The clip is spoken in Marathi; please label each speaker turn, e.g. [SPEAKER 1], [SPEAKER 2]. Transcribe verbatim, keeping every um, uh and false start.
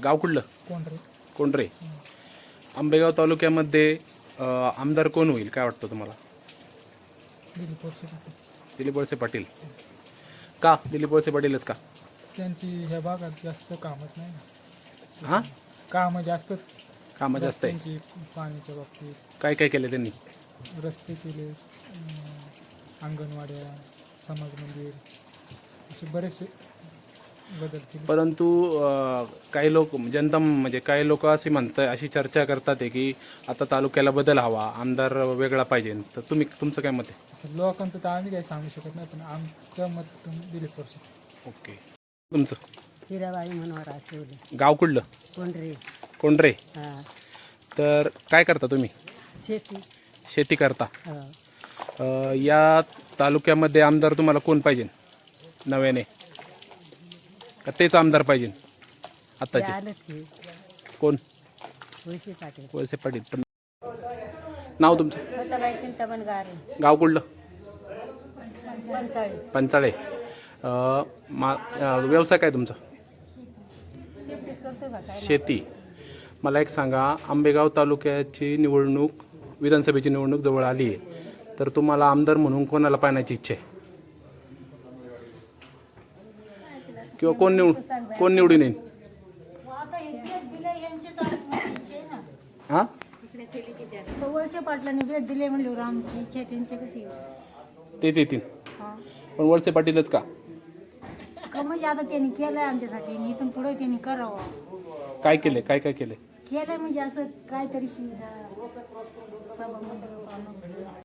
[SPEAKER 1] गाव कुठलं?
[SPEAKER 2] कोंढरे.
[SPEAKER 1] कोंढरे. आंबेगाव तालुक्यामध्ये अ, आमदार कोण होईल काय वाटतं तुम्हाला?
[SPEAKER 2] दिलीप वळसे पाटील.
[SPEAKER 1] दिलीप वळसे पाटील. का दिलीप वळसे पाटीलच का?
[SPEAKER 2] त्यांची ह्या भागात जास्त कामच नाही ना.
[SPEAKER 1] हां,
[SPEAKER 2] कामं जास्तच.
[SPEAKER 1] कामं जास्त आहे.
[SPEAKER 2] त्यांची पाण्याच्या बाबतीत
[SPEAKER 1] काय काय केलं त्यांनी?
[SPEAKER 2] रस्ते केले, अं, अंगणवाड्या, समाज मंदिर, असे बरेचसे बदल केले.
[SPEAKER 1] परंतु अ, काही लोक जनता म्हणजे काही लोक अशी म्हणतात, अशी चर्चा करतात आहे की आता तालुक्याला बदल हवा, आमदार वेगळा पाहिजे. तर तुम्ही तुमचं काय मत आहे?
[SPEAKER 2] आता लोकांचं तर आम्ही काही सांगू शकत नाही, पण आमचं मत दिलीप वळसे.
[SPEAKER 1] ओके. तुमचं?
[SPEAKER 3] हिराबाई मनोहर आठवले.
[SPEAKER 1] गाव कुठलं?
[SPEAKER 3] कोंढरे.
[SPEAKER 1] कोंढरे.
[SPEAKER 3] हा.
[SPEAKER 1] तर काय करता तुम्ही?
[SPEAKER 3] शेती.
[SPEAKER 1] शेती करता.
[SPEAKER 3] हा.
[SPEAKER 1] अ, या तालुक्यामध्ये आमदार तुम्हाला कोण पाहिजे नव्याने, का तेच आमदार पाहिजे
[SPEAKER 3] ते
[SPEAKER 1] आत्ताचे?
[SPEAKER 3] आलंच की
[SPEAKER 1] कोण?
[SPEAKER 3] वळसे पाटील.
[SPEAKER 1] वळसे पाटील. पण नाव तुमचं?
[SPEAKER 3] स्वतःबाई चिंतामण गारे.
[SPEAKER 1] गाव कुठलं?
[SPEAKER 3] पंचाळी.
[SPEAKER 1] पंचाळे. अ, मा अ, व्यवसाय काय तुमचा?
[SPEAKER 3] शेतीच करतो का काय?
[SPEAKER 1] शेती. मला एक सांगा, आंबेगाव तालुक्याची निवडणूक, विधानसभेची निवडणूक जवळ आली आहे, तर तुम्हाला आमदार म्हणून कोणाला पाहण्याची इच्छा आहे? किंवा कोण निवड कोण निवडून येईल? हां,
[SPEAKER 4] वळसे पाटलांनी भेट दिली म्हणल्यावर आमची इच्छा आहे त्यांची कशी
[SPEAKER 1] तेच येतील.
[SPEAKER 4] हा
[SPEAKER 1] पण वळसे पाटीलच का?
[SPEAKER 4] का म्हणजे आता त्यांनी केलंय आमच्यासाठी आणि इथून पुढे त्यांनी करावं.
[SPEAKER 1] काय केले? काय काय केले?
[SPEAKER 4] केलंय म्हणजे असं काहीतरी सुविधा सभा मंडळ